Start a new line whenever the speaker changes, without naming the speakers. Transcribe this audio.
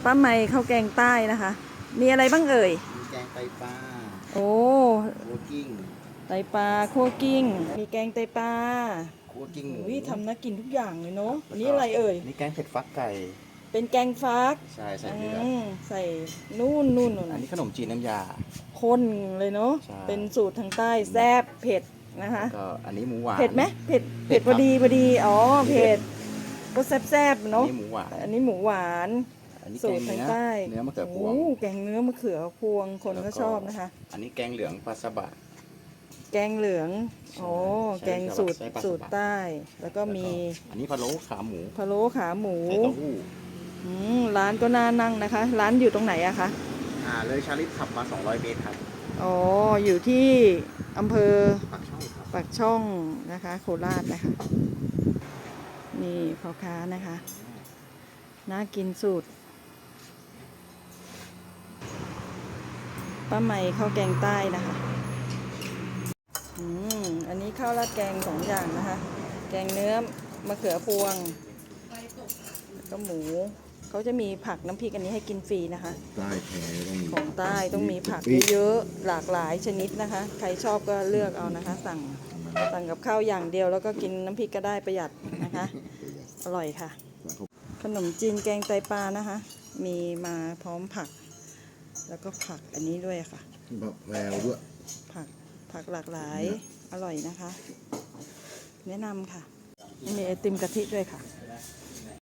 ป้าไมข้าวแกงใต้นะคะมีอะไรบ้างเอ่ย
มีแกงไตปลา
โอ้
คั่วกิ้ง
ไตปลาคั่วกิ้งมีแกงไตปลา
คั่วกิ้งหมู
อุ้ยทำน่ากินทุกอย่างเลยเนาะอันนี้
แล้วก็
อะไรเอ่ย
นี่แกงเผ็ดฟักไก่
เป็นแกงฟัก
ใช่ใส่เลือด
ใส่นู่น
อันนี้ขนมจีนน้ำยา
ข้นเลยเนาะ
ใช่
เป็นสูตรทางใต้แซ่บเผ็ดนะคะ
ก็อันนี้หมูหวาน
เผ็ดไหมเผ็ด
ครับ
พอดีอ๋อเผ็ดก็แซ่บๆเนาะ
อันนี้หมูหวาน
อันนี้หมูหวาน
อันนี้แก
สูต
ง
รทางใต้
เนื้อมะเขือพวง
โอ้แกงเนื้อมะเขือพวงคน
แล้ว
ก็ชอบนะคะ
อันนี้แกงเหลืองปลาสบะ
แกงเหลือง
ใช่
โอ้
ใช่
แกงสูตร
ใช้ปลาสบะ
สูตรใต้ แล้วก็มี
อันนี้พะโล้ขาหมู
พะโล้ขาหมู
ใส่เต้าหู้
ร้านก็น่านั่งนะคะ ร้านอยู่ตรงไหนอะคะ
เลยชาลิตขับมา200เมตรครับ
อ๋อ อยู่ที่อำเภอ
ปากช่องครับ
ปากช่องนะคะ โคราชนะคะ นี่พ่อค้านะคะ น่ากินสูตรป้าไมข้าวแกงใต้นะคะอันนี้ข้าวราดแกง2อย่างนะคะ แกงเนื้อมะเขือพวงแล้วก็หมูเขาจะมีผักน้ำพริกอันนี้ให้กินฟรีนะคะ
ใต้แท้ต้องมี
ของใต้ต้องมีผักเยอะๆหลากหลายชนิดนะคะใครชอบก็เลือกเอานะคะสั่งกับข้าวอย่างเดียวแล้วก็กินน้ำพริกก็ได้ประหยัดนะคะอร่อยค่ะขนมจีนแกงไตปลานะคะ มีมาพร้อมผัก แล้วก็ผักอันนี้ด้วยค่ะ
แบบแววด้วย
ผักหลากหลายอร่อยนะคะ แนะนำค่ะมีไอติมกะทิด้วยค่ะ